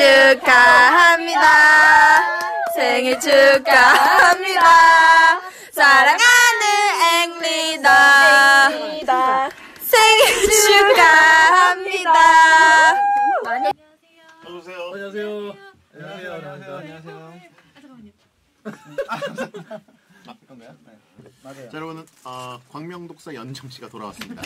축하합니다. 생일 축하합니다. 사랑하는 앵리더 생일 축하합니다. 어서오세요. 안녕하세요. 안녕하세요. 이건가요? 네. 맞아요. 자, 여러분, 광명독사 연정씨가 돌아왔습니다.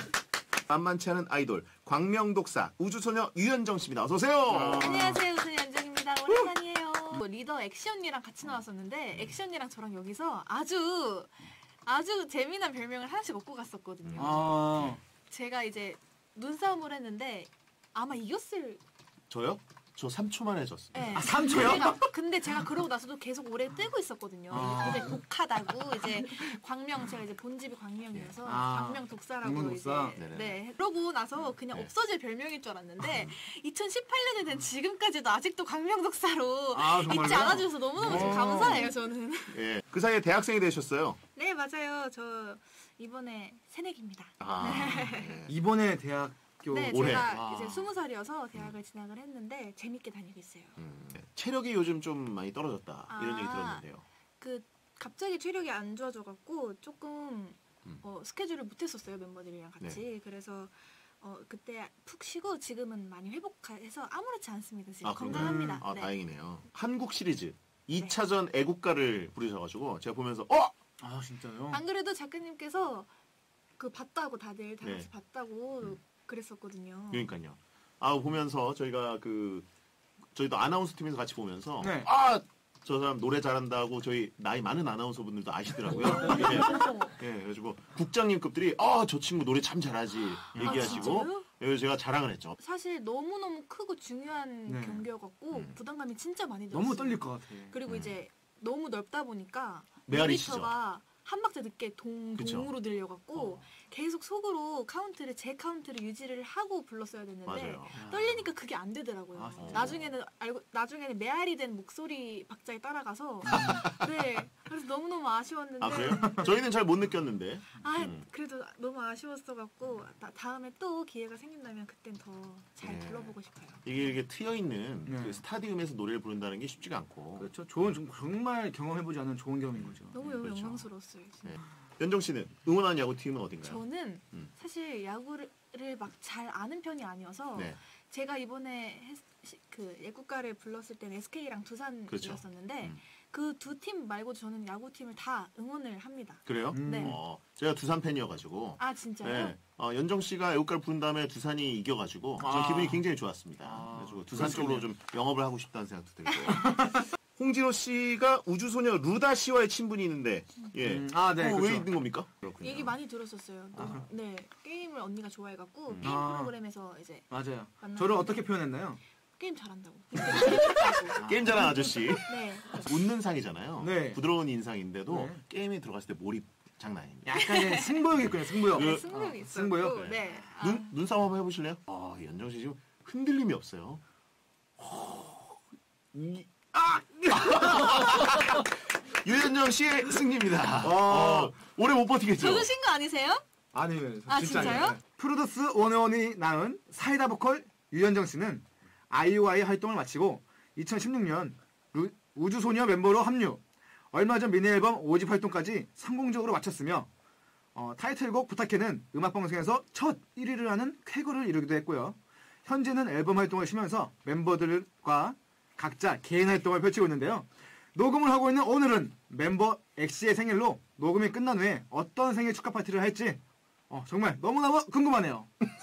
만만치 않은 아이돌 광명독사 우주소녀 유연정 씨입니다. 어서 오세요. 안녕하세요, 우주소녀 연정입니다. 오랜만이에요. 리더 엑시 언니랑 같이 나왔었는데 엑시 언니랑 저랑 여기서 아주 재미난 별명을 하나씩 얻고 갔었거든요. 제가 이제 눈싸움을 했는데 아마 이겼을. 저요? 저 3초 만에 졌습니다. 네. 3초요? 근데 제가 그러고 나서도 계속 오래 뜨고 있었거든요. 이제 독하다고 이제 광명 제가 이제 본집이 광명이어서 광명 독사라고 광명독사. 이제 네. 그러고 나서 그냥 없어질 별명일 줄 알았는데 2018년이 된 지금까지도 아직도 광명 독사로 잊지 않아주셔서 너무너무 감사해요 저는. 예, 그 사이에 대학생이 되셨어요. 네 맞아요. 저 이번에 새내기입니다. 네. 이번에 대학 네, 올해. 제가 이제 20살이어서 대학을 진학을 했는데 재밌게 다니고 있어요. 체력이 요즘 좀 많이 떨어졌다 이런 얘기 들었는데요. 그 갑자기 체력이 안 좋아져갖고 조금 스케줄을 못했었어요 멤버들이랑 같이. 네. 그래서 그때 푹 쉬고 지금은 많이 회복해서 아무렇지 않습니다. 지금 건강합니다. 네. 다행이네요. 한국 시리즈 2차전 애국가를 부르셔가지고 제가 보면서 진짜요? 안 그래도 작가님께서 그 봤다고 다들 다 같이 봤다고 그랬었거든요. 그러니까요. 보면서 저희도 아나운서 팀에서 같이 보면서 저 사람 노래 잘한다고 저희 나이 많은 아나운서 분들도 아시더라고요. 예, 그래가지고 국장님급들이 저 친구 노래 참 잘하지 얘기하시고 그래서 제가 자랑을 했죠. 사실 너무너무 크고 중요한 경기여갖고 부담감이 진짜 많이 들었어요. 너무 떨릴 것 같아. 그리고 이제 너무 넓다 보니까 메아리시죠. 모니터가 한 박자 늦게 동으로 들려갖고 계속 속으로 제 카운트를 유지를 하고 불렀어야 됐는데 맞아요. 떨리니까 그게 안 되더라고요. 나중에는 메아리 된 목소리 박자에 따라가서 네 그래서 너무너무 아쉬웠는데. 그래요? 저희는 잘 못 느꼈는데. 그래도 너무 아쉬웠어갖고 다음에 또 기회가 생긴다면 그땐 더 잘 불러보고 싶어요. 이게 트여 있는 그 스타디움에서 노래를 부른다는 게 쉽지가 않고. 그렇죠. 정말 경험해보지 않은 좋은 경험인 거죠. 너무 영광스러웠어요. 진짜. 연정 씨는 응원하는 야구팀은 어딘가요? 저는 사실 야구를 막 잘 아는 편이 아니어서 제가 이번에 그 애국가를 불렀을 때는 SK랑 두산이었었는데 그 두 팀 말고 저는 야구팀을 다 응원을 합니다. 그래요? 네. 제가 두산 팬이어가지고. 진짜요? 네. 연정 씨가 애국가를 부른 다음에 두산이 이겨가지고 전 기분이 굉장히 좋았습니다. 그래가지고 두산 쪽으로 좀 영업을 하고 싶다는 생각도 들고요. 홍진호 씨가 우주소녀 루다 씨와의 친분이 있는데, 네. 그렇죠. 왜 있는 겁니까? 그렇군요. 얘기 많이 들었었어요. 네, 게임을 언니가 좋아해갖고 게임 프로그램에서 이제 맞아요. 저를 어떻게 표현했나요? 게임 잘한다고. 게임 잘하는 아저씨. 네. 웃는 상이잖아요. 네. 부드러운 인상인데도 게임에 들어갔을 때 몰입 장난 아닙니다. 약간 승부욕이 있군요. 승부욕. 승부욕이 있어요. 승부욕? 네. 눈싸움 한번 해보실래요? 연정 씨 지금 흔들림이 없어요. 유연정 씨의 승리입니다. 오래 못 버티겠죠? 적으신 거 아니세요? 아니에요. 진짜요? 프로듀스 101이 낳은 사이다 보컬 유연정 씨는 아이오아이 활동을 마치고 2016년 우주소녀 멤버로 합류. 얼마 전 미니 앨범 5집 활동까지 성공적으로 마쳤으며 타이틀곡 부탁해는 음악방송에서 첫 1위를 하는 쾌거를 이루기도 했고요. 현재는 앨범 활동을 쉬면서 멤버들과 각자 개인 활동을 펼치고 있는데요. 녹음을 하고 있는 오늘은 멤버 엑시의 생일로 녹음이 끝난 후에 어떤 생일 축하 파티를 할지 정말 너무너무 궁금하네요.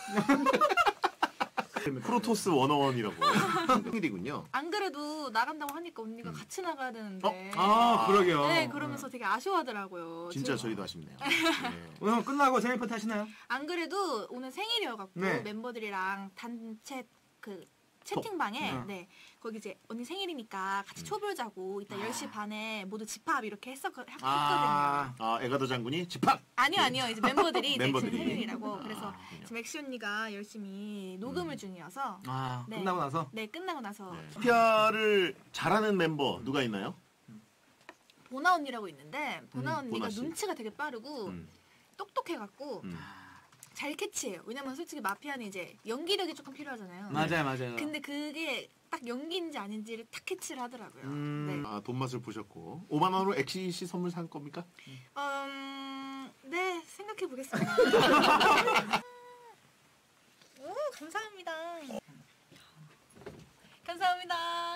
프로토스 101이라고 생일이군요. 안 그래도 나간다고 하니까 언니가 같이 나가야 되는데. 그러게요. 네, 그러면서 되게 아쉬워하더라고요. 진짜 저희도 아쉽네요. 오늘 끝나고 생일 파티 하시나요? 안 그래도 오늘 생일이어갖고 멤버들이랑 단체 채팅방에 거기 이제 언니 생일이니까 같이 초별 자고 이따 10시 반에 모두 집합 이렇게 했거든요. 에가더 장군이 집합! 아니요. 이제 멤버들이 내 생일이라고. 그래서 지금 엑시 언니가 열심히 녹음을 중이어서 끝나고 나서? 네, 끝나고 나서. 피아를 잘하는 멤버 누가 있나요? 보나 언니라고 있는데 보나 언니가 눈치가 되게 빠르고 똑똑해갖고 잘 캐치해요. 왜냐면 솔직히 마피아는 이제 연기력이 조금 필요하잖아요. 맞아요. 근데 그게 딱 연기인지 아닌지를 딱 캐치를 하더라고요. 네. 아, 돈 맛을 보셨고 5만 원으로 엑시시 선물 산 겁니까? 네, 생각해 보겠습니다. 오, 감사합니다. 감사합니다.